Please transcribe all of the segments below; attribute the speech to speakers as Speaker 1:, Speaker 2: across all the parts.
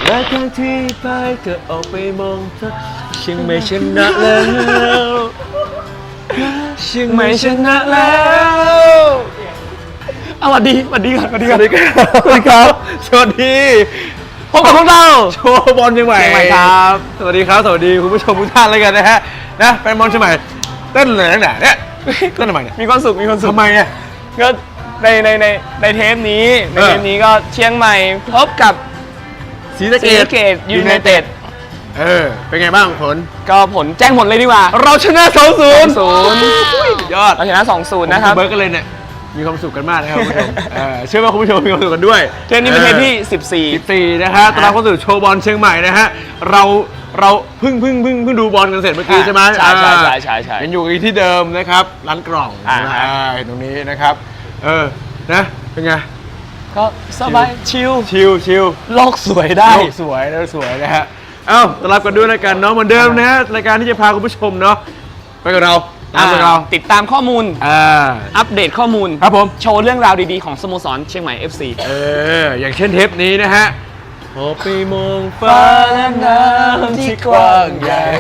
Speaker 1: และครั้งที่ไปก็ออกไปมองเธอเชียงใหม่ชนะแล้วเชียงใหม่ชนะแล้วสวัสดีก่อนสวัสดีครับสวัสดีพบกับพวกเราโชว์บอลเชียงใหม่ครับสวัสดีครับสวัสดีคุณผู้ชมทุกท่านเลยกันนะฮะนะเป็นบอลเชียงใหม่เต้นเลยตั้งแต่เนี่ยเต้นทำไมเนี่ย
Speaker 2: มีความสุขทำไมเนี่ยก็ในเทปนี้ก็เชียงใหม่พบกับ
Speaker 1: ศรีสะเกษ
Speaker 2: ยูไนเต็ด
Speaker 1: เป็นไงบ้างผล
Speaker 2: ก็ผลแจ้งผลเลยดีกว่า
Speaker 1: เราชนะ 2-0 ยอด
Speaker 2: เราชนะ 2-0 นะครับ
Speaker 1: เบิร์กกันเลยเนี่ยมีความสุขกันมากนะครับคุณผู้ชมเชื่อว่าคุณผู้ชมมีความสุขกันด้วย
Speaker 2: เทปนี้เป็นเทปที่
Speaker 1: 14นะฮะตอนรับเข้าสู่โชว์บอลเชียงใหม่นะฮะเราเพิ่งดูบอลกันเสร็จเมื่อกี้ใช่ไหม
Speaker 2: ใช่
Speaker 1: ยังอยู่ที่เดิมนะครับร้านกล่องตรงนี้นะครับนะเป็นไง
Speaker 2: ก็สบายชิลโลกสวยได้
Speaker 1: สวยนะฮะต้อนรับกันด้วยรายการเนาะเหมือนเดิมนะฮะรายการที่จะพาคุณผู้ชมเนาะไปกับเรา
Speaker 2: ติดตามข้อมูลอัปเดตข้อมูล
Speaker 1: ครับผม
Speaker 2: โชว์เรื่องราวดีๆของสโมสรเชียงใหม่ FC
Speaker 1: อย่างเช่นเทปนี้นะฮะพอไปมองฟ้าและน้ำที่กว้างใหญ่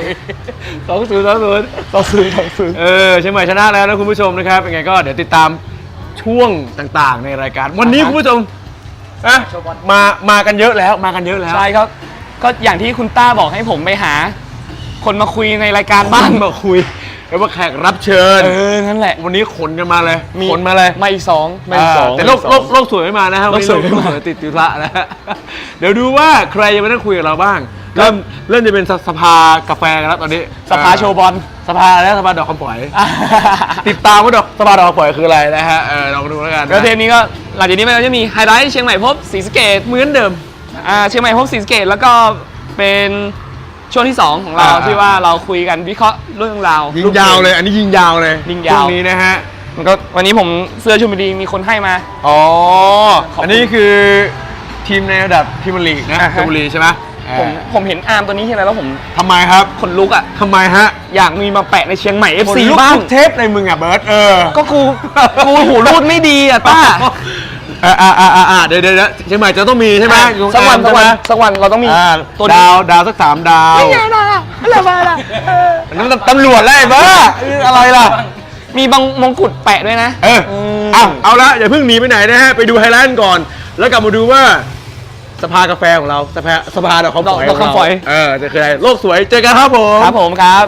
Speaker 1: 2-0เชียงใหม่ชนะแล้วนะคุณผู้ชมนะครับเป็นไงก็เดี๋ยวติดตามช่วงต่างๆในรายการวันนี้คุณผู้ชมมากันเยอะแล้ว
Speaker 2: ใช่ครับก็อย่างที่คุณต้าบอกให้ผมไปหาคนมาคุยในรายการบ้าง
Speaker 1: มาคุยแล้วว่าแขกรับเชิญ
Speaker 2: นั่นแหละ
Speaker 1: วันนี้ขนกันมาเลยขนมาเลย
Speaker 2: ไม่สอง
Speaker 1: แต่โลกสวยไม่มานะครับวันนี้โลกสวยติดธุระนะเดี๋ยวดูว่าใครจะมานั่งคุยกับเราบ้างเริ่มจะเป็นสภากาแฟกันแล้วตอนนี้
Speaker 2: สภาโชว์บอล
Speaker 1: สภาดอกคำฝอยติดตามว่าสภาดอกคำฝอยคืออะไรนะฮะลองดูแล้วกัน
Speaker 2: แล้วเทปนี้ก็หลังจากนี้มันจะมีไฮไลท์เชียงใหม่พบศรีสะเกษ
Speaker 1: เหมือนเดิม
Speaker 2: เชียงใหม่พบศรีสะเกษแล้วก็เป็นช่วงที่2ของเราที่ว่าเราคุยกันวิเคราะห์เรื่องราว
Speaker 1: ยิงยาวเลยอันนี้ยิงยาวเลยช่วงนี้นะฮะ
Speaker 2: มันก็วันนี้ผมเสื้อชลบุรีมีคนให้มา
Speaker 1: อันนี้คือทีมในระดับพรีเมียร์ลีกนะชลบุรีใช่ไหม
Speaker 2: ผมเห็นอาร์มตัวนี้ใช่ไหมแล้วผม
Speaker 1: ทำไมครับ
Speaker 2: ขนลุกอ่ะ
Speaker 1: ทำไมฮะ
Speaker 2: อยากมีมาแปะในเชียงใหม่ FC
Speaker 1: บ้างเทปในมึงอ่ะเบิร์ต
Speaker 2: ก็กูหูรูดไม่ดีอ่ะต้า
Speaker 1: เดี๋ยวเชียงใหม่จะต้องมีใช่ไหม
Speaker 2: สักวันเราต้องมี
Speaker 1: ตัวดาวสัก3 ดาว
Speaker 2: ไม่ไงล่ะอะไรมาล่ะ
Speaker 1: นั่นตำรวจไล่บ้าอะไรล่ะ
Speaker 2: มีบางมงกุฎแปะด้วยนะ
Speaker 1: เอาละอย่าเพิ่งหนีไปไหนนะฮะไปดูไฮไลท์ก่อนแล้วกลับมาดูว่าสภากาแฟของเราสภาดอกคำฝอยจะคืออะไรโลกสวยเจอกันครับผม
Speaker 2: ครับ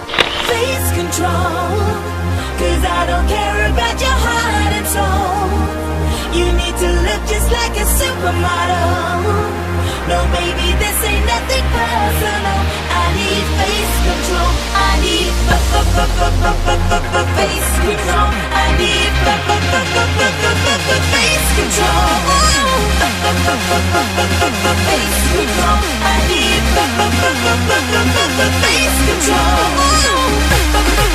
Speaker 3: like a supermodel. No, baby, this ain't nothing personal. I need face control. I need face control. I need face control. Face control. I need face control.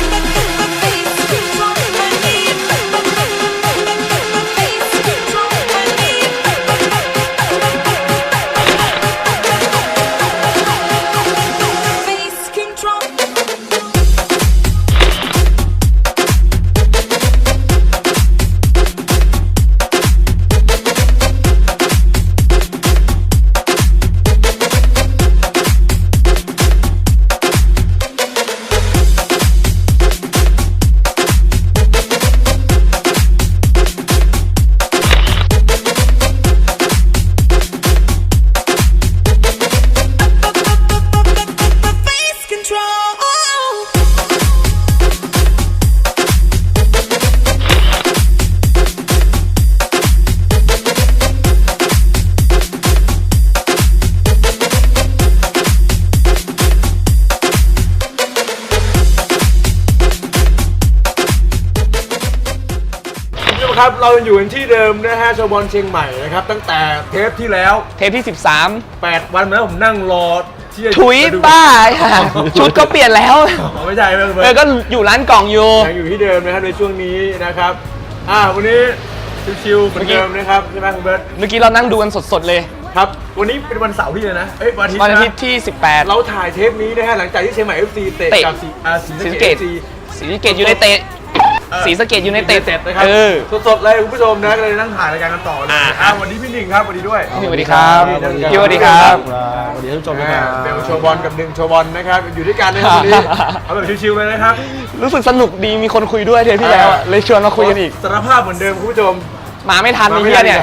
Speaker 1: ครับเราอยู่กันที่เดิมนะฮะโชว์บอลเชียงใหม่นะครับตั้งแต่เทปที่แล้ว
Speaker 2: เทปที่
Speaker 1: 8 วันแล้วผมนั่งรอที่จะ
Speaker 2: ถุยบ้าชุดก็เปลี่ยนแล้ว
Speaker 1: ไม่ใช่
Speaker 2: ก็อยู่ร้านกล่องอยู่
Speaker 1: ยังอยู่ที่เดิมนะครับในช่วงนี้นะครับวันนี้ชิวๆเหมือนเดิมนะครับใช่ไหมคุณเบิร์ต
Speaker 2: เมื่อกี้เรานั่งดูกันสดๆเลย
Speaker 1: ครับวันนี้เป็นวันเสาร์ที่เลยนะ
Speaker 2: วันอาทิตย์ที่18
Speaker 1: เราถ่ายเทปนี้นะฮะหลังจากที่เชียงใหม่ FC เตะกับศรีสะเกษ
Speaker 2: ยูไนเต็ดศรีสะเกษยูไนเต็ด
Speaker 1: นะครับ
Speaker 2: เออ
Speaker 1: สดๆเลยคุณผู้ชมนะก็เลยนั่งถ่ายรายการกันต่อเลย
Speaker 2: อ่า
Speaker 1: วันนี้พี่หนึ่งครับวันนี้ด้วย
Speaker 2: พี่สวัสดีครับพี่สวัสดีครับ
Speaker 4: สวัสดีท่านผู้ชมนะครับ
Speaker 1: เบลโชว์บอลกับหนึ่งโชว์บอลนะครับอยู่ด้วยกันนะครับวันนี้เอาแบบชิวๆเลยนะครับ
Speaker 2: รู้สึกสนุกดีมีคนคุยด้วยเทปที่แล้วอะเลยชวนมาคุยกันอีก
Speaker 1: สารภาพเหมือนเดิมคุณผู้ชม
Speaker 2: มาไม่ทันไอ้เหี้ยเนี่ย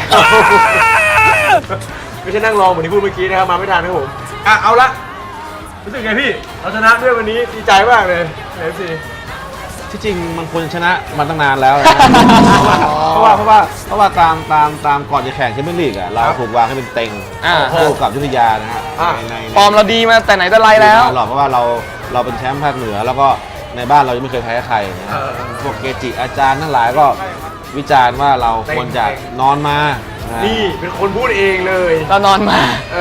Speaker 1: ไม่ใช่นั่งรอเหมือนที่พูดเมื่อกี้นะครับมาไม่ทันครับผมเอาละรู้สึกไงพี่เราชนะด้วยวันนี้ดีใจมากเลยเอฟซี
Speaker 4: ที่จริงมันควรชนะมาตั้งนานแล้วนะ เพราะว่าตามก่อนจะแข่งแชมเปี้ยนลีกอ่ะเราถูกวางให้เป็นเต็ง
Speaker 2: อ่า
Speaker 4: คู่กับยุทธยานะฮะใน
Speaker 2: ฟอร์มเราดีมาแต่ไหนแต่ไรแล้ว
Speaker 4: หรอกเพราะว่าเราเป็นแชมป์ภาคเหนือ แล้วก็ในบ้านเรายังไม่เคยแพ้ใครนะฮะพวกเกจิอาจารย์ทั้งหลายก็วิจารณ์ว่าเราควรจะนอนมานะฮะ
Speaker 1: นี่เป็นคนพูดเองเลย
Speaker 2: เรานอนมา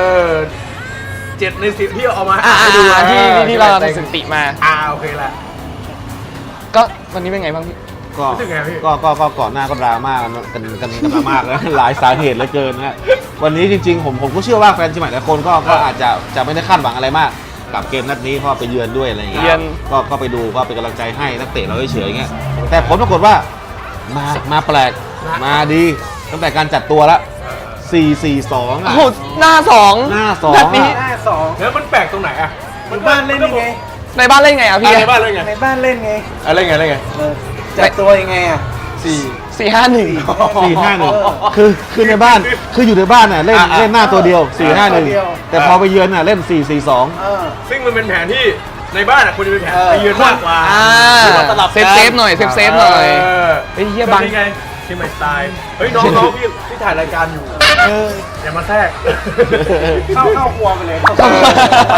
Speaker 1: 7 ใน 10ที่เอามา
Speaker 2: ที่
Speaker 1: นะ
Speaker 2: ที่เราทำสถิติมา
Speaker 1: โอเคละ
Speaker 2: ก็วันนี้เป็นไงบ้างพี่
Speaker 4: ก็
Speaker 1: รู้สึกไงพี่
Speaker 4: ก็ก่อนหน้าก็ดราม่ากันมามากแล้ว หลายสาเหตุเหลือเกินนะฮะวันนี้จริงๆผมก็เชื่อว่าแฟนเชียงใหม่หลายคนก็อาจจะไม่ได้คาดหวังอะไรมาก กับเกมนัดนี้เพราะไปเยือนด้วยอะไรอย่างเงี้
Speaker 2: เยื
Speaker 4: ย
Speaker 2: อน
Speaker 4: ก็ไปดูก็เป็นกำลังใจให้นักเตะเราเฉยๆอย่างเงี้ยแต่ผลปรากฏว่ามาแปลกมาดีตั้งแต่การจัดตัวละ4-4-2
Speaker 2: โอ้
Speaker 4: อ่ะ
Speaker 2: โหหน้าสอง
Speaker 4: หน้าสอง
Speaker 2: แบบนี้
Speaker 4: อะ
Speaker 5: หน้าสอง
Speaker 1: แล้วมันแปลกตรงไหนอะ
Speaker 5: ในบ้านเล่นยังไง
Speaker 2: ในบ้านเล่นไงอ่ะพี่
Speaker 1: ในบ้านเล่นไง
Speaker 5: ในบ้านเล่นไง
Speaker 1: เล่นไงเล่นไง
Speaker 5: จัดตัวยังไงอ่ะ
Speaker 2: 4-5-1
Speaker 4: 4-5-1คือในบ้านคืออยู่ในบ้านน่ะเล่นหน้าตัวเดียว 4-5-1 แต่พอไปเยือนน่ะเล่น 4-4-2
Speaker 1: ซึ่งมันเป็นแผนที่ในบ้านอะควรจะเป็นแผนไปเยือนมากกว่า
Speaker 2: เ
Speaker 1: คือว่าสลับกัน
Speaker 2: ซฟหน่อยเซฟหน่อยไอ้เหี้ยบัง
Speaker 1: นี่ไงเชียงใหม่สไตล์เฮ้ยน้องๆพี่ถ่ายรายการอยู่อย่ามาแทรก
Speaker 5: เข้าครัวไปเลย
Speaker 1: ไป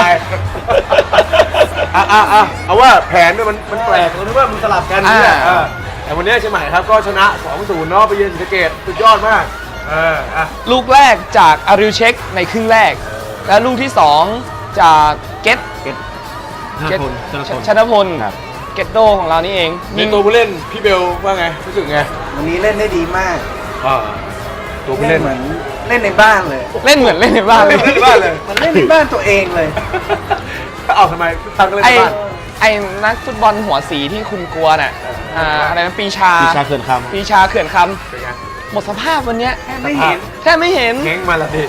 Speaker 1: เอาว่าแผนเนี่ยมันแปลกตรงที่ว่ามันสลับกันเนี่ยแต่วันนี้เชียงใหม่ครับก็ชนะ 2-0 เนาะไปเยือนศรีสะเกษสุดยอดมาก
Speaker 2: ลูกแรกจากอาริวเช็คในครึ่งแรก และลูกที่ 2 จากเกต ชนพล
Speaker 4: ครับ
Speaker 2: เกตโดของเรานี่เอง
Speaker 1: มีตัวผู้เล่นพี่เบลว่าไงรู้สึกไง
Speaker 5: วันนี้เล่นได้ดีมาก
Speaker 1: ตัวผู้
Speaker 5: เล่
Speaker 1: เล่
Speaker 5: น
Speaker 1: น
Speaker 5: เหมือนเล่นในบ้านเลย
Speaker 2: เล่นเหมือนเล่นในบ้านเลย
Speaker 1: เล่นในบ้านเลย
Speaker 5: มันเล่นในบ้านตัวเองเลย
Speaker 1: เอาทำไมทำกันเล่น
Speaker 2: ไอ้
Speaker 1: ในบ้าน
Speaker 2: ไอ้นักฟุตบอลหัวสีที่คุณกลัวน่ะอะไรนะปีชา
Speaker 4: ปีชาเขื่อนคำ
Speaker 2: ปีชาเขื่อนค
Speaker 1: เป็นไง
Speaker 2: ำหมดสภาพวันเนี้ย
Speaker 5: ไม่เห็น
Speaker 2: แทบไม่เห็น
Speaker 1: แข้งมาละดิ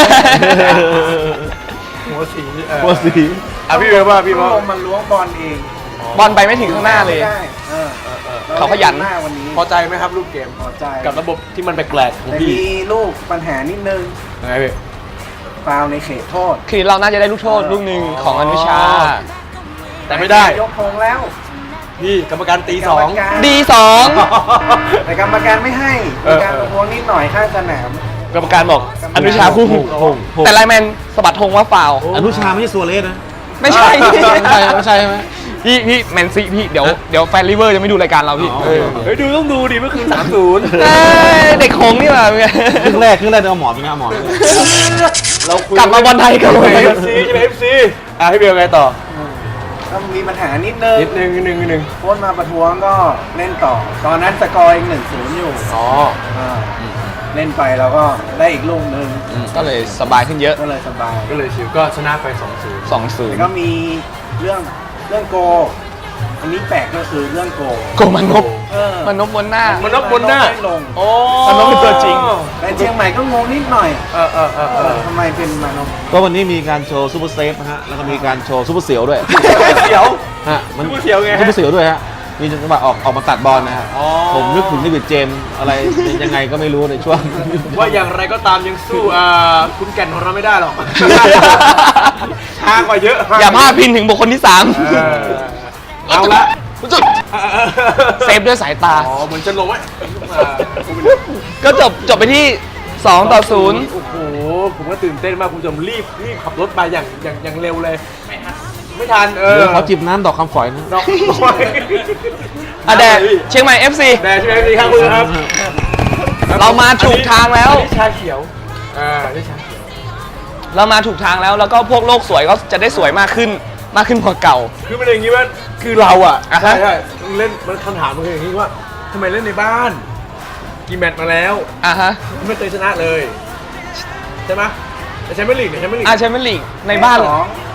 Speaker 1: หัวสี
Speaker 4: หัวสี
Speaker 1: พี่เบลว่าพี่
Speaker 5: ล
Speaker 1: ว่า
Speaker 5: งมันล้วงบอลเอง
Speaker 2: บอลไปไม่ถึงข้างหน้าเลย
Speaker 5: ไม่ได้
Speaker 2: เขาขยัน
Speaker 5: หน้าวันนี้
Speaker 1: พอใจไหมครับลูกเกม
Speaker 5: พอใจ
Speaker 1: กับระบบที่มันแปลกๆของ
Speaker 5: แต่
Speaker 1: พี่
Speaker 5: มีลูกปัญหานิดนึง
Speaker 1: ยังไงพี่
Speaker 5: ฟาวล์ในเขตโทษ
Speaker 2: คือเราน่าจะได้ลูกโทษลูกหนึ่งของอนุชา
Speaker 1: แต่ไม่ได้
Speaker 5: ยกธงแล้ว
Speaker 1: พี่กรรมการตี
Speaker 5: กรรมการ
Speaker 2: ดีสอง
Speaker 5: แต่กรรมการไม่ให้มีการประท้วงนิดหน่อยข้างสนาม
Speaker 2: กรรมการบอกอนุชาพุ่ง แต่ไลน์แมนสะบัดธงว่าฟาวล์
Speaker 4: อนุชาไม่ใช่ซัวเรสนะ
Speaker 2: ไม่ใช่
Speaker 4: ไม่ใช่ไหม
Speaker 2: พี่แมนซีพี่เดี๋ยวแฟนลิเวอร์จะไม่ดูรายการเราพี่
Speaker 4: อ๋อ
Speaker 1: เฮ้ยดูต้องดูดิเมื่อคืน
Speaker 2: เอ้ยเด็กหงส์นี่หว่า
Speaker 4: ครึ่งแรกเอาหมอนไปนะเอาหมอน
Speaker 1: เราคุย
Speaker 2: กลับมาบอลไทยกันเลย
Speaker 1: เอฟซีใช่ไหมเอฟซีให้เบลไงต่อ
Speaker 5: ก็มีปัญหานิดนึง
Speaker 1: นิดนึง
Speaker 5: โค้ชมาประท้วงก็เล่นต่อ ตอนนั้นสกอร์ยัง1-0 อยู่
Speaker 1: อ๋อ
Speaker 5: เล่นไปเราก็ได้อีกลูกหนึ่ง
Speaker 2: ก็เลยสบายขึ้นเยอะ
Speaker 5: ก็เลยสบาย
Speaker 1: ก็เลยชิวก็ชนะไป 2-0
Speaker 5: แต่ก็มีเรื่องโก อันนี้แปลกก็คือเรื่องโก
Speaker 2: โกมันนบ มันนบบนหน้า
Speaker 1: มันนบบนหน้า
Speaker 5: ไม่ลง
Speaker 1: โอ้
Speaker 2: มันต้องเป็นตัวจริง
Speaker 5: แต่เชียงใหม่ก็งงนิดหน่อย ทำไมเป็นมานพ
Speaker 4: ก็วันนี้มีการโชว์ซูเปอร์เซฟนะฮะแล้วก็มีการโชว์ซูเปอร์เสียวด้วย
Speaker 1: เสียว
Speaker 4: ฮะมัน
Speaker 1: ซูเปอร์เสียวไงฮะ
Speaker 4: ซูเปอร์เสียวด้วยฮะมีจังหวะออกมาตัดบอลนะฮะ
Speaker 1: อ๋อ
Speaker 4: ผมนึกถึงนิวิดเจมส์อะไรยังไงก็ไม่รู้ในช่วง
Speaker 1: ว่าอย่างไรก็ตามยังสู้คุณแก่นของเราไม่ได้หรอกห่างกว่าเยอะ
Speaker 2: อย่าพลาดพินถึงบุคคลที่
Speaker 1: เอาละ
Speaker 2: 3จุดเซฟด้วยสายตา
Speaker 1: เหมือนจะลงไว้
Speaker 2: ก็จบไปที่ 2-0
Speaker 1: โอ้โหผมก็ตื่นเต้นมากคุณผู้ชมรีบขับรถมาอย่างเร็วเลยไม่ทัน
Speaker 4: เดี๋ยวขอจิบน้ำดอกคำฝอยนะ
Speaker 1: ดอก
Speaker 2: อ่ะแดดเชียงใหม่ FC
Speaker 1: แดดใช่ไหมพี่ครับคุณครับ
Speaker 2: เรามาถูกทางแล้ว
Speaker 1: อันนี้ชาเขียวนี่ชาเขียว
Speaker 2: เรามาถูกทางแล้วก็พวกโลกสวยก็จะได้สวยมากขึ้นกว่าเก่า
Speaker 1: คือมันอย่างนี้ว่าคือเราอ่ะ
Speaker 2: อ่ะฮะ
Speaker 1: ใช่เล่นมันคำถามมันคืออย่างนี้ว่าทำไมเล่นในบ้านกี่แมตช์มาแล้ว
Speaker 2: ฮะ
Speaker 1: ไม่เคยชนะเลยใช่ไหมแต่แชมเปี้ยนลีกเนี่ยแชมเปี้ยนลีก
Speaker 2: แชมเปี้ยนลีกในบ้าน
Speaker 5: สอง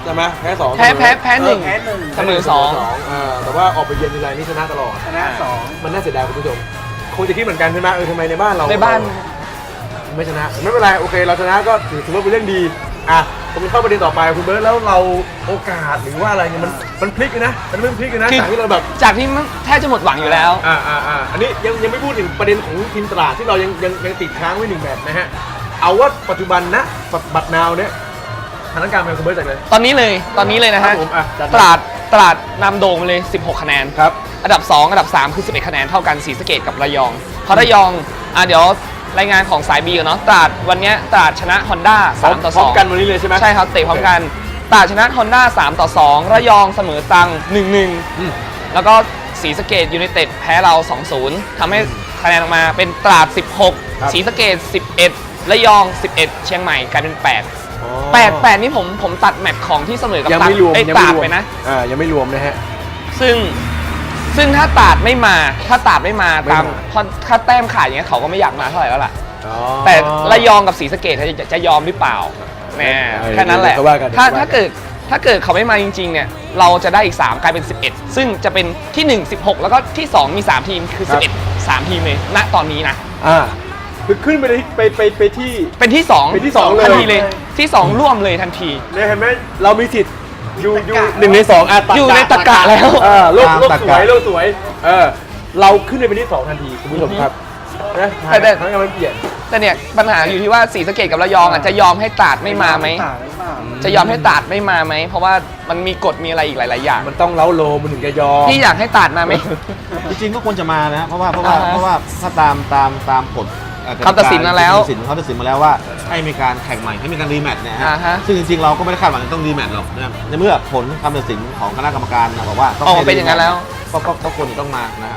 Speaker 6: ใช่ไหมแพ้สอง
Speaker 2: แพ้หนึ่ง
Speaker 5: แพ้หนึ่ง
Speaker 2: เสมอสอง
Speaker 6: แต่ว่าออกไปเยือนทีไรนี่ชนะตลอด
Speaker 5: ชนะสอง
Speaker 6: มันน่าเสียดายคุณผู้ชมคงจะคิดเหมือนกันใช่ไหมทำไมในบ้านเรา
Speaker 2: ในบ้าน
Speaker 6: ไม่ชนะไม่เป็นไรโอเคเราชนะก็ถือว่าเป็นเรื่องดีอ่ะผมเข้าประเด็นต่อไปคุณเบิร์ตแล้วเราโอกาสหรือว่าอะไรเนี่ยมันพลิกเลยนะมันเริ่มพลิกเลยนะ
Speaker 2: คือ
Speaker 6: จากที่เราแบบ
Speaker 2: จากที่มันแทบจะหมดหวังอยู่แล้ว
Speaker 6: อันนี้ยังไม่พูดถึงประเด็นของทีมตราดที่เรายังติดค้างไว้1 แมตช์นะฮะเอาว่าปัจจุบันนะบัตรนาวเนี่ยสถานการณ์เป็นคุณเบิร์ตจากเลย
Speaker 2: ตอนนี้เลยนะ
Speaker 6: ครั
Speaker 2: ฮะ
Speaker 6: บผมอ่ะจัด
Speaker 2: ตราดนำโด่งไปเลย 16 คะแนน
Speaker 6: ครับ
Speaker 2: อันดับ 2 อันดับ 3 คือ 11 คะแนนเท่ากันศรีสะเกษกับระยองเพราะระยองเดี๋ยวรายงานของสาย B ก่อนเนาะตราดวันเนี้ยตราดชนะ Honda 3 ต่อ
Speaker 6: พร้อม
Speaker 2: 2
Speaker 6: กันวันนี้เลยใช่ไหม
Speaker 2: ใช่ครับเตะพร้อมกันตราดชนะ Honda 3 ต่อ 2 ระยองเสมอตรัง 1-1 แล้วก็ศรีสะเกษยูไนเต็ดแพ้เรา 2-0 ทำให้คะแนนออกมาเป็นตราด 16ศรีสะเกษ11 ระยอง 11 เชียงใหม่กลายเป็น 8 นี่ผมตัดแมตช์ของที่เสมอกับ
Speaker 6: ยังไม่รวม
Speaker 2: ตราดไปนะ
Speaker 6: ยังไม่รวมนะฮะ
Speaker 2: ซึ่งถ้าตราดไม่มาตามถ้าแต้มขาดอย่างเงี้ยเขาก็ไม่อยากมาเท่าไหร่แล้วล่ะ แต่ระยองกับศรีสะเกษจะยอมหรือเปล่าแน่แค่นั้นแหละ
Speaker 6: เดี๋ยวว่ากัน
Speaker 2: ถ้าเกิดเขาไม่มาจริงๆเนี่ยเราจะได้อีก 3 กลายเป็น 11 ซึ่งจะเป็นที่ 1 16 แล้วก็ที่ 2 มี 3 ทีมคือ 11 3 ทีมเลยณตอนนี้นะ
Speaker 6: คือขึ้นไปไปที่
Speaker 2: เป็นที่ 2
Speaker 6: เป็นที่สองเลย
Speaker 2: ทันทีเลยที่ 2 ร่วมเลยทันที
Speaker 6: เนี่ยเห็นไหมเรามีสิทธิ์อยู่1 ใน 2
Speaker 2: อยู่ในตะกะแล้ว
Speaker 6: โลก
Speaker 4: ตาม
Speaker 6: ส
Speaker 4: ตะ
Speaker 6: วย
Speaker 4: กะ
Speaker 6: โลกสวยเราขึ้นไปเป็นที่ 2 ทันทีคุณผู้ชมครับนะ
Speaker 2: แต่
Speaker 6: ทั้งงานมันเปลี่ยน
Speaker 2: แต่เนี่ยปัญหาอยู่ที่ว่าศรีสะเกษกับระยองจะยอมให้ตราดไม่มาไหม
Speaker 5: ต่างหรือเปล่า
Speaker 2: จะยอมให้ตราดไม่มาไหมเพราะว่ามันมีกฎมีอะไรอีกหลายๆอย่าง
Speaker 6: มันต้องเล้าโลมันถึงจะยอม
Speaker 2: พี่อยากให้ตราดมาไหม
Speaker 4: จริงๆก็ควรจะมานะเพราะว่า
Speaker 2: อ่าฮะ
Speaker 4: ถ้าตามกฎ
Speaker 2: เขาตัดสินมาแล้ว
Speaker 4: เขาตัดสินมาแล้วว่าให้มีการแข่งใหม่ให้มีการรีแมตช์เนี่ยฮะ
Speaker 2: อ่าฮะ
Speaker 4: ซึ่งจริงๆเราก็ไม่ได้คาดหวังจะต้องรีแมตช์หรอกนะครับในเมื่อผลคำตัดสินของคณะกรรมการบอกว่าต้อง
Speaker 2: ออก
Speaker 4: ให้
Speaker 2: เป็นอย่างนั้นแล้ว
Speaker 4: ก็ควรจะต้องมานะครับ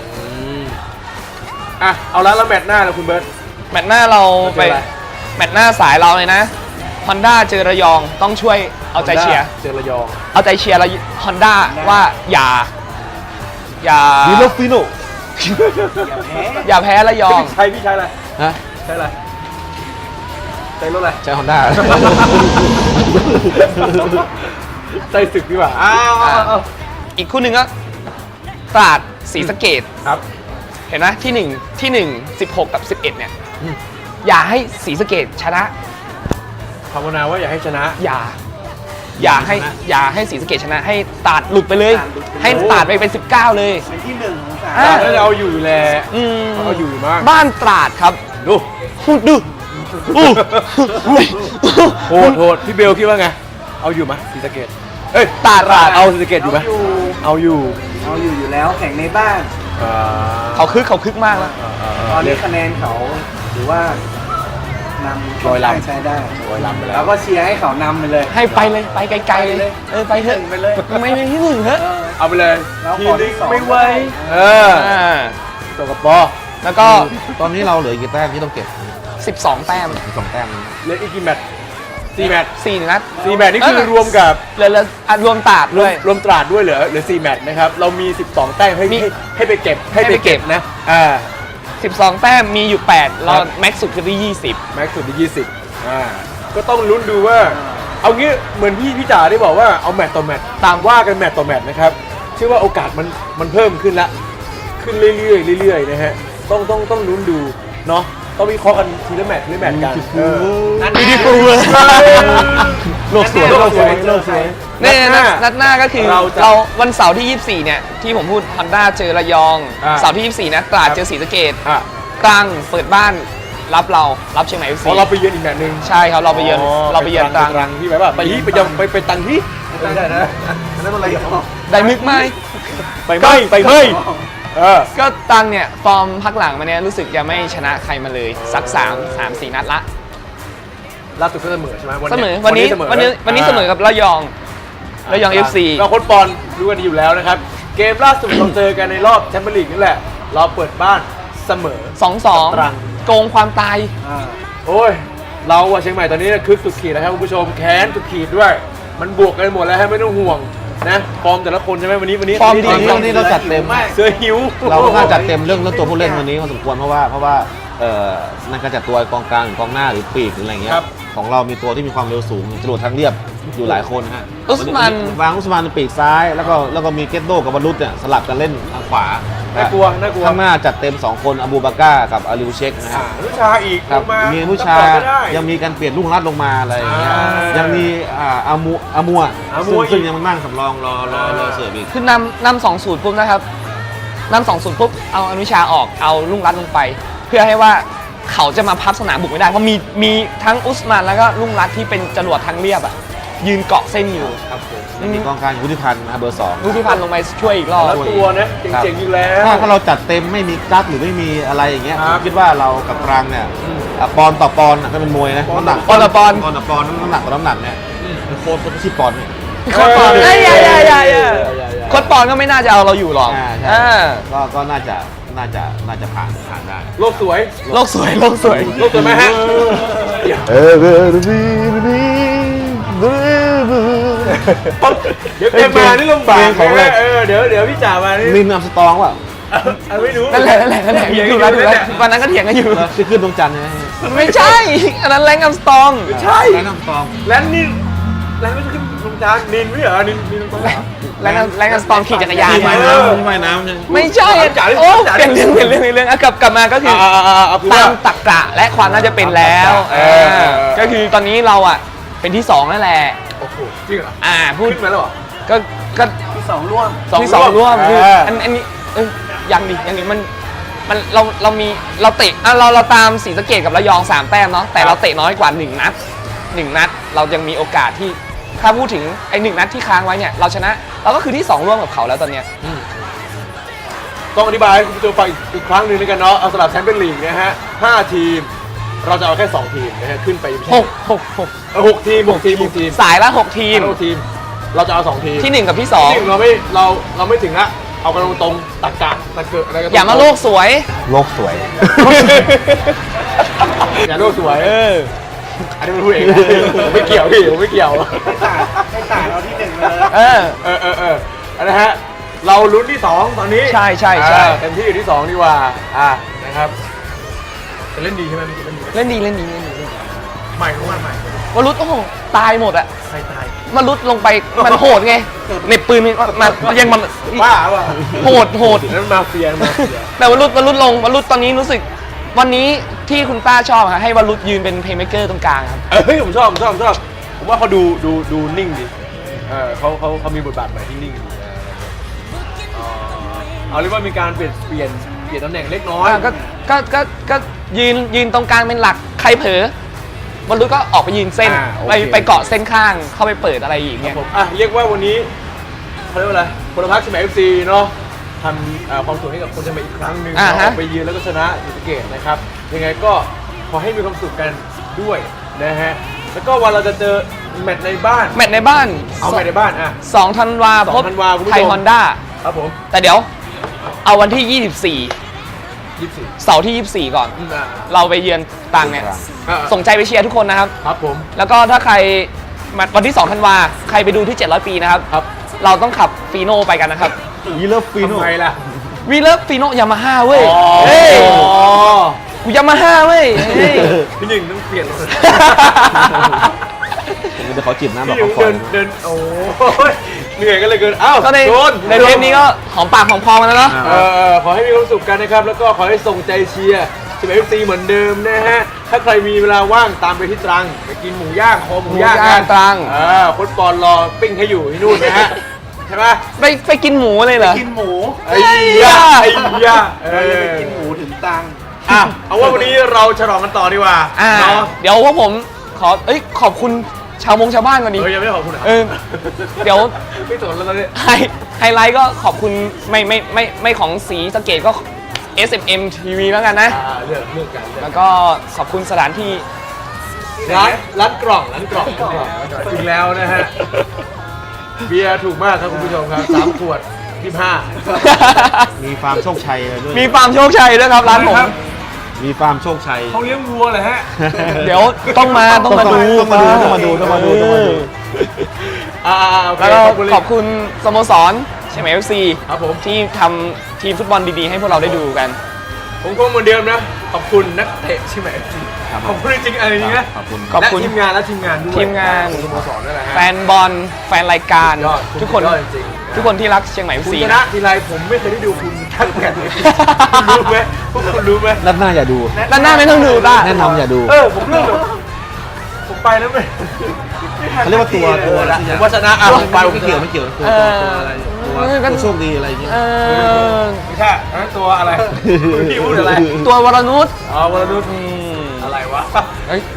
Speaker 6: เอาแล้วแมตช์หน้าแล้วคุณเบิร์ต
Speaker 2: แมตช์หน้าเราไป
Speaker 6: เจออะไร
Speaker 2: แมตช์หน้าสายเราเลยนะ Honda เจอระยองต้องช่วยเอาใจเชียร์
Speaker 6: เจอระยอง
Speaker 2: เอาใจเชียร์Honda ว่าอย่า
Speaker 4: วิโลฟิโน
Speaker 2: อย่าแพ้ระยอง
Speaker 6: พี่ใช้อะไร
Speaker 4: ฮะ
Speaker 6: ใช้อะไรใช้รถอะไร
Speaker 4: ใช้ฮอนด้า
Speaker 6: ใช้ศึกดีกว่า
Speaker 2: อีกคู่หนึ่งก็ตราดศรีสะเกษ
Speaker 6: ครับ
Speaker 2: เห็นไหมที่ 1 16 กับ 11 เนี่ย อย่าให้ศรีสะเกษชนะ
Speaker 6: ภาวนาว่าอย่าให้ชนะ
Speaker 2: อย่าให้ศรีสะเกษชนะ ให้ตราดหลุดไปเลย ให้ตราดไปเป็น 19 เลย
Speaker 5: เป็นที่1ของสาม
Speaker 2: อ่ะ
Speaker 6: แล้วเราอยู่แหละ
Speaker 2: อืม
Speaker 6: เขาอยู่มาก
Speaker 2: บ้านตราดครับ
Speaker 6: ดู
Speaker 2: ดู
Speaker 6: โทษพี่เบลคิดว่าไง เอาอยู่ไหมศรีสะเกษเอ้ย
Speaker 2: ตราด
Speaker 6: เอาศรีสะเกษอยู่ไหมเอาอยู่
Speaker 5: อยู่แล้วแข่งในบ้าน
Speaker 2: เขาคึกมากแล้ว
Speaker 5: ตอนนี้คะแนนเขาหรือว่านำ
Speaker 6: ร้อยลำ
Speaker 5: ใช้ได้
Speaker 6: ร้อยลำไปแล้ว
Speaker 5: แล้วก็เชียร์ให้เขานำไปเลย
Speaker 2: ให้ไปเลยไปไกลๆเลย ไปเถอะ
Speaker 5: ไปเลย
Speaker 2: ไม่ที่หนึ่งเถอะ
Speaker 6: เอาไปเลย
Speaker 5: แล้ว
Speaker 6: ที
Speaker 5: ขอ
Speaker 6: นึ
Speaker 5: ที่
Speaker 6: ง
Speaker 5: สอง
Speaker 6: ไม่ไหวเออ ตัวกับปอ
Speaker 2: แล้วก็
Speaker 4: ตอนนี้เราเหลือกี่แต้มที่ต้องเก็บ
Speaker 2: 12 แต้ม
Speaker 4: 2 แต้มนะ
Speaker 6: เหลืออีกกี่แมตช์4 แมตช์
Speaker 2: 4 นัด
Speaker 6: 4 แมตช์นี่คือรวมกับ
Speaker 2: เหลือรวมตราดด้วย
Speaker 6: รวมตราดด้วยเหลือ4 แมตช์นะครับ เรามี 12 แต้มให้
Speaker 2: มี
Speaker 6: ให้ไปเก็บ
Speaker 2: ให้ไปเก็บ
Speaker 6: นะ
Speaker 2: 12 แต้มมีอยู่ 8 เราแม็กซ์สุดคือที่ 20
Speaker 6: แม็กซ์สุดที่20ก็ต้องลุ้นดูว่า เอางี้เหมือนพี่จ๋าได้บอกว่าเอาแมตช์ต่อแมตช์ตามว่ากันแมตช์ต่อแมตช์นะครับเชื่อว่าโอกาสมันเพิ่มขึ้นละขึ้นเรื่อยๆนะฮะต้องลุ้นดูเนาะต้องวิเคราะห์กันทีละแมตช์กันนั่นดีฟูโลกสวย
Speaker 2: เนี่ยนัดหน้าก็คือ
Speaker 6: เราจะ
Speaker 2: เราวันเสาร์ที่ 24 เนี่ย ที่ผมพูด Honda เจอระยอง เสาร์ที่ 24 นะตราดเจอศรีสะเกษตรังเปิดบ้านรับเชียงใหม่ FC
Speaker 6: พอเราไปเยือนอีกแมตช์หนึง
Speaker 2: ใช่ครับเราไปเยือนตรัง
Speaker 6: ที่แบบว่าไปตังที่ไม่ได้นะนั่นอะไร
Speaker 2: ได้มึกไหม
Speaker 6: ไปไหม
Speaker 2: ก็ตรังเนี่ยฟอร์มพักหลังมาเนี่ยรู้สึกยังไม่ชนะใครมาเลยสัก3-4 นัดละ
Speaker 6: ล่าสุดก็เสมอใช่ไหม
Speaker 2: เสมอวันนี้เสมอกับระยอง FC
Speaker 6: เราโค้ชบอลรู้กันดีอยู่แล้วนะครับ เกมล่าสุดเราเจอกันในรอบแชมเปี้ยนลีกนี่แหละ เราเปิดบ้านเสมอ ตรัง
Speaker 2: 2-2 โกงความตาย
Speaker 6: โอ้ย เราอะเชียงใหม่ตอนนี้คึกสุดขีดนะครับคุณผู้ชมแค้นสุดขีดด้วย มันบวกกันหมดแล้วให้ไม่ต้องห่วงนะฟอร์มแต่ละคนใช่ไหมวันนี้
Speaker 2: ฟอร์มดี
Speaker 4: วันนี้เราจัดเต็ม
Speaker 6: เสือหิว
Speaker 4: เราค่อนข้างจัดเต็มเรื่องตัวผู้เล่นวันนี้พอสมควรเพราะว่านั่นก็จะตัวกองกลางหรือกองหน้าหรือปีกหรืออะไรเงี้ย
Speaker 6: ครับ
Speaker 4: ของเรามีตัวที่มีความเร็วสูงจรวดทางเรียบอยู่หลายคนฮะ
Speaker 2: อุสมัน
Speaker 4: วางอุสมันเป็นปีกซ้ายแล้วก็มีเกตโดกับบรรลุเนี่ยสลับกันเล่นทางขวา
Speaker 6: น่ากลัวน่ากลัว
Speaker 4: ข้างหน้าจัดเต็ม 2 คนอบูบาก้ากับอาลิวเชคนะฮะ
Speaker 6: อนุชาอีก
Speaker 4: ครับ
Speaker 6: ลงมา
Speaker 4: มีอนุชา
Speaker 6: ซัพพอร์ตก็ได้
Speaker 4: ยังมีการเปลี่ยนลูกรัดลงมาอะไรอย่างเงี้ย
Speaker 6: ยัง
Speaker 4: มีอามัว
Speaker 6: อามัว
Speaker 4: ซึ่ง
Speaker 6: อีก
Speaker 4: ยังนั่งสำรองรอเสิร์ฟอีก
Speaker 2: คือนำ2-0ปุ๊บนะครับนำ2-0ปุ๊บเอาอนุชาออกเอาลุงรัตน์ลงไป เพื่อให้ว่าเขาจะมาพับสนามบุกไม่ได้เพราะมีทั้งอุสมานแล้วก็ลุงรัตน์ที่เป็นจรวดทางเรียบอ่ะยืนเกาะเส้นอยู่
Speaker 6: ครับผม
Speaker 4: มีกองกลางวุฒิพันธ์นะเบอร์ 2
Speaker 2: ลูกที่พันลงไปช่วยอีกรอบ
Speaker 6: แล้วตัวนะเจ๋งๆอยู่แล้ว
Speaker 4: ถ้าเราจัดเต็มไม่มีกั๊กหรือไม่มีอะไรอย่างเงี้ย
Speaker 6: ค
Speaker 4: ผ
Speaker 6: รับ
Speaker 4: มคิดว่าเรากับตรังเนี่ยปอนด์ต่อปอนด์ก็เป็นมวยนะ
Speaker 6: ปอนด์
Speaker 4: น้ำหนัก
Speaker 2: ปอนด์ต่อปอนด์
Speaker 4: ปอนด์ต่อปอนด์น้ำหนักต่อน้ำหนักเนี่ยเป็นโค้ชที่ปอนด์เนี่ย
Speaker 2: โค้ดปอนเอ้ยอย่าโค้ดปอนก็ไม่น่าจะเอาเราอยู่หรอก
Speaker 4: ใช่
Speaker 2: อ่า
Speaker 4: ก็น่าจะผ่านได้
Speaker 6: โลกสวย
Speaker 2: โลกสวยโลกสวย
Speaker 6: โลกสวยไหมฮะเดี๋ยวแกมานี่ลำบาก
Speaker 4: เพลงของอะไร
Speaker 6: เดี๋ยวพี่จ๋ามานี่
Speaker 4: ลินอัมสตรองว่ะ
Speaker 6: ไม่รู้
Speaker 2: นั่นแหละอยู่แล้ววันนั้นก็เถียงกันอยู่
Speaker 4: ที่ขึ้นดวงจันทร์ใช่ไหม
Speaker 2: ไม่ใช่ อันนั้นแรงกัมสตอง
Speaker 6: ใช่
Speaker 4: ลินอัมสตรอง
Speaker 6: แล้วนี่แล้วไม่ใช่ขึ้นลงจานนินไม่เหรอนินลงจาน
Speaker 2: แรงกัมสตองขี่จักรยาน
Speaker 4: ที่
Speaker 2: มา
Speaker 4: ว่ายน้ำใช่ไหม
Speaker 2: ไม่ใช่โอ้เปลี่ยนเรื่องอ่ะกลับมาก็คือ
Speaker 6: เอาคือ
Speaker 2: ตา
Speaker 6: ว่า
Speaker 2: มตรรกะและความน่าจะเป็นแล้ว
Speaker 6: เออ
Speaker 2: ก็คือตอนนี้เราอ่ะเป็นที่2นั่นแหละ
Speaker 6: โอ้โหจริงเหรอ
Speaker 2: พูด
Speaker 6: ขึ้นมาแล้วเหรอ
Speaker 2: ก็
Speaker 5: ที่สองร่วม
Speaker 2: ที่สองร่วมคือ
Speaker 6: เอออั
Speaker 2: อันนี้ยังดิมันเรามีเราเตะเราตามศรีสะเกษกับระยอง3แต้มเนาะแต่เราเตะน้อยกว่า1 นัดเรายังมีโอกาสที่ถ้าพูดถึงไอ้1 นัดที่ค้างไว้เนี่ยเราชนะเราก็คือที่2ร่วมกับเขาแล้วตอนเนี้ย
Speaker 6: ต้องอธิบายให้คุณผู้ชมฟังอีกครั้งหนึ่งแล้วกันเนาะเอาสำหรับแชมเปี้ยนลีกนะฮะ5 ทีม เราจะเอาแค่ 2 ทีมนะฮะขึ้นไปไม่ใช่ 6 ทีม6 ทีม
Speaker 2: สายละ6 ทีม
Speaker 6: 6 ทีม เราจะเอา 2 ทีม
Speaker 2: ที่ 1 กับที่
Speaker 6: ที่หนึ่งเราไม่ถึงละเอากันตรงๆตะกะตะเกิดอะไรกัน
Speaker 2: 2 อย่ามาโลกสวย
Speaker 4: โลกสวย
Speaker 6: อย่าโลกสวยอันนี้มันพูดเองนะผมไม่เกี่ยวพี่ผมไม่เกี่ยว
Speaker 5: ให้ตาเราที่หนึ่งเลย
Speaker 6: อันนะฮะเราลุ้นที่ 2 ตอนนี้
Speaker 2: ใช่
Speaker 6: เต็มที่อยู่ที่ 2 ดีกว่านะครับจะเล่นดีใช่ไหมเล่นดี
Speaker 2: เล่นดี
Speaker 6: ใหม่ของมันใหม่
Speaker 2: วรุษโอ้โหตายหมดอะ
Speaker 6: ใครตาย
Speaker 2: มารุดลงไปมันโหดไงเหน็บปืนมายังมัน
Speaker 6: บ้าว่ะ
Speaker 2: โหด
Speaker 6: นั่นมาเฟีย
Speaker 2: แต่วรุษตอนนี้รู้สึกวันนี้ที่คุณต้าชอบครับให้วรุษยืนเป็นเพลย์เมคเกอร์ตรงกลางครับ
Speaker 6: เฮ้ยผมชอบผมว่าเขาดูนิ่งดีเขามีบทบาทใหม่ที่นิ่งดีเอาเรียกว่ามีการเปลี่ยนตำแหน่งเล็กน้อย
Speaker 2: ก็ยืนตรงกลางเป็นหลักใครเผลอวรุษก็ออกไปยืนเส้น
Speaker 6: โอเค
Speaker 2: ไปเกาะเส้นข้างเข้าไปเปิดอะไรอย่างเงี้ย
Speaker 6: ผมเรียกว่าวันนี้เขาเรียกว่าอะไรพลพักเชียงใหม่ FC เนาะทำความสุขให้กับคนเชียงใหม่อีกครั้งหนึ่ง
Speaker 2: ฮะ
Speaker 6: ไปยืนแล้วก็ชนะศรีสะเกษนะครับยังไงก็ขอให้มีความสุขกันด้วยนะฮะแล้วก็วันเราจะเจอแมตช์ในบ้าน
Speaker 2: แมตช์ในบ้าน
Speaker 6: เอาแมตช์ในบ้าน
Speaker 2: 2 ธันวาพบ
Speaker 6: 2 ธันวาคุณผู้ชม
Speaker 2: ไทยฮอนด้า
Speaker 6: ครับผม
Speaker 2: แต่เดี๋ยวเอาวันที่
Speaker 6: 24
Speaker 2: เสาร์ที่ 24 ก่อน เราไปเยือนตรังเนี่ย ส่งใจไปเชียร์ทุกคนนะครับ
Speaker 6: ครับผม
Speaker 2: แล้วก็ถ้าใครวันที่ 2 ธันวาใครไปดูที่ 700 ปีนะครับ
Speaker 6: ครับ
Speaker 2: เราต้องขับฟีโน่ไปกันนะครับ
Speaker 4: วีเลฟฟีโน่
Speaker 6: ทำไมล่ะ
Speaker 2: วีเลิฟฟีโน่ยามาฮ่าเว้ย เฮ้ย กูยามาฮ่าเว้ยเฮ้ย
Speaker 6: พี่หนึ่งต้องเปลี่ยนเลย
Speaker 4: เดี๋ยวเขาจิบน้ำแบบ
Speaker 6: พี่หนึ่
Speaker 4: เขา
Speaker 6: ง
Speaker 4: ฟอ
Speaker 6: เดิ
Speaker 4: น
Speaker 6: นโอ้ยเหนื่อยกันเลยเกิน
Speaker 2: ก็ใน
Speaker 6: โดน
Speaker 2: เทปนี้ก็หอมปากหอมคอมาแล้วเนาะ
Speaker 6: ขอให้มีความสุขกันนะครับ แล้วก็ขอให้ส่งใจเชียร์ทีม FC เหมือนเดิมนะฮะ ถ้าใครมีเวลาว่างตามไปที่ตรังไปกินหมูย่างคอหมูย่าง
Speaker 2: หมูย่างตรัง
Speaker 6: โค้ชปอนรอปิ้งให้อยู่ที่นู่นนะฮะ ใช่ไหม
Speaker 2: ไปกินหมูเลยเหรอ
Speaker 5: กินหมู
Speaker 6: ไอ้ยาไอ้ยา
Speaker 5: เราจะไปกินหมูถึงตัง
Speaker 6: เอาว่าวันนี้เราฉลองกันต่อดีกว่าเนาะ
Speaker 2: เดี๋ยวพวกผมขอบคุณชาวบ้านก่อนดิ
Speaker 6: ยังไม่ได้ขอบคุณอ่ะ
Speaker 2: เดี๋ยว
Speaker 6: ไม่สนแล้วเนี่ย
Speaker 2: ไฮไลท์ก็ขอบคุณไม่ของสีสะเกตก็ SMM TV แล้วกันนะ
Speaker 6: เลือกกัน
Speaker 2: แล้วก็ขอบคุณสถานที่
Speaker 6: ร้านกล่องอีกแล้วนะฮะ เบียร์ถูกมากครับคุณผู้ชมครับ3 ขวด 25
Speaker 4: มีฟาร์มโชคชัยด้วย
Speaker 2: มีฟาร์มโชคชัยด้วยครับร้านผม
Speaker 4: มีฟาร์มโชคชัย
Speaker 6: เขาเลี้ยงวัวเลยฮะ
Speaker 2: เดี๋ยวต้องมาดู
Speaker 4: ต้องมาดู
Speaker 2: แล้วก็ขอบคุณสโมสรใช่ไหม FC
Speaker 6: ครับผม
Speaker 2: ที่ทำทีมฟุตบอลดีๆให้พวกเราได้ดูกัน
Speaker 6: ผมคงเหมือนเดิมนะ ขอบคุณนักเตะใช่ไหม
Speaker 4: ครับ
Speaker 6: ขอบคุณจริงๆอะไรอย่างเงี้ย
Speaker 4: ขอบคุณ
Speaker 2: ขอบคุณ
Speaker 6: และทีมงานและทีมงานด้วย
Speaker 2: ทีมงาน
Speaker 6: สโมสรนั่นแหละฮะ
Speaker 2: แฟนบอลแฟนรายการ
Speaker 6: ยอด
Speaker 2: ทุกคน
Speaker 6: ยอดจริงๆ
Speaker 2: ทุกคนที่รักเชียงใหม่
Speaker 6: คุณ
Speaker 2: FC
Speaker 6: ชนะทีไรผมไม่เคยได้ดูคุณทักแข่งเลยคุณรู้ไหมพวกคุณรู้ไหม
Speaker 4: นัดหน้าอย่าดู
Speaker 2: ด้านหน้าไม่ต้องดูต้า
Speaker 4: แนะนำอย่าดู
Speaker 6: ผมเรื่องแบบผมไปแล้วไม่
Speaker 4: เขาเรียกว่าตัวอะไร
Speaker 6: ผมว่าชนะอ่ะผมไปผม
Speaker 4: ไม่เกี่ยวไม่เกี่ยวตัวอะไรตัวโชคดีอะไรอย่างเงี้ย
Speaker 2: เออ
Speaker 6: ไม่ใช่อันนั้นตัวอะไรคุณพี่พูดอะไร
Speaker 2: ตัววรนุช
Speaker 6: อ๋อวรนุชอะไรวะ
Speaker 2: เอ้ย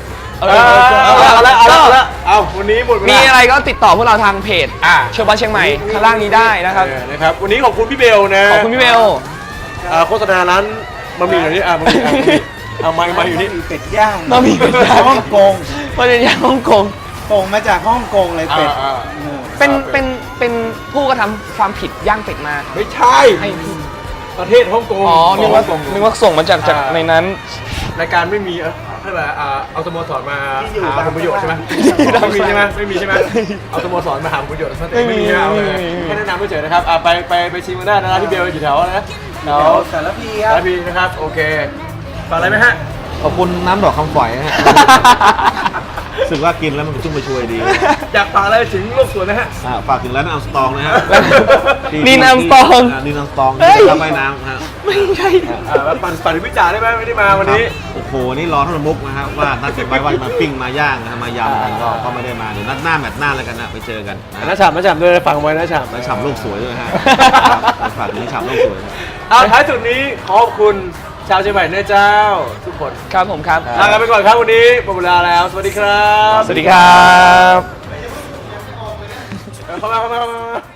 Speaker 6: เอาวันนี้หมดเวลา
Speaker 2: มีอะไรก็ติดต่อพวกเราทางเพจ เชียวบ้านเชียงใหม่ข้างล่างนี้ได้นะครับ
Speaker 6: นะครับ วันนี้ขอบคุณพี่เบลนะ
Speaker 2: ขอบคุณพี่เบล
Speaker 6: โฆษณาร้านบะหมี่หน่อยนี่บะหมี่มาอยู่นี่
Speaker 5: เป็ดย่าง
Speaker 2: บะหมี่เป็ดย่าง
Speaker 5: ฮ่องกง
Speaker 2: ประเด็นย่างฮ่องกง
Speaker 5: ส่งมาจากฮ่องกงเลยเป็ด
Speaker 2: เป็นผู้กระทำความผิดย่างเป็ดมา
Speaker 6: ไม่ใช่
Speaker 2: ให้
Speaker 6: ประเทศฮ่องกง
Speaker 2: อ๋อนึกว่าส่งมาจากในนั้น
Speaker 6: รายการไม่มีให้แบบเอาสโมสรมา
Speaker 5: ที่อยู่
Speaker 6: หาผลประโยชน์ใช่ไหมไม่มีใช่ไหมไม่มีใช่ไหมเอาสโมสรมาหาผลประโยชน์ไม่มีใช่ไหมเอาเลยแค่แนะนำไม่เฉยนะครับไปชิมกันได้นะร้านที่เบลอยู่แถวนะแถว
Speaker 5: สารพีค
Speaker 6: สา
Speaker 5: รับ
Speaker 6: รพีนะครับโอเคฝากอะไรไหมฮะ
Speaker 4: ขอบคุณน้ำดอกคำฝอยนะฮะรู้สึกว่ากินแล้วมันชุ่มไปช่วยดี
Speaker 6: อยากฝากอะไรถึงโลกสวนนะฮะ
Speaker 4: ฝากถึงร้านอัมสตองนะฮะ
Speaker 2: นีนอัมสตอง
Speaker 4: นีนอัมสตอง
Speaker 2: เฮ้ย
Speaker 4: ทำใบน้ำนะฮะ
Speaker 2: ไม่ใช่
Speaker 6: ปั่นถึงพิจารได้ไหมไม่ได้มาวันนี้
Speaker 4: โอ้โห นี่รอท่านมุกนะครับว่านัดกันไว้ว่าจะมาปิ้งมาย่างนะครับมายำกันก็ไม่ได้มาเดี๋ยวนัดหน้าแมตช์หน้าแล้วกันนะไปเจอกันนะ
Speaker 6: น้าฉ่ำด้วยฟังไว้น้าฉ่ำ
Speaker 4: แล้วฉ่ำโลกสวยด้วยฮะฝากถึงฉ่ำโลกสวยนะ
Speaker 6: เอาท้ายสุดนี้ขอบคุณชาวเชียงใหม่นะเจ้า ทุกคน
Speaker 2: ครับผมครับ
Speaker 6: ลากันไปก่อนครับวันนี้หมดเวลาแล้ว สวัสดีครับ
Speaker 2: สวัสดีครับ
Speaker 6: เข้ามา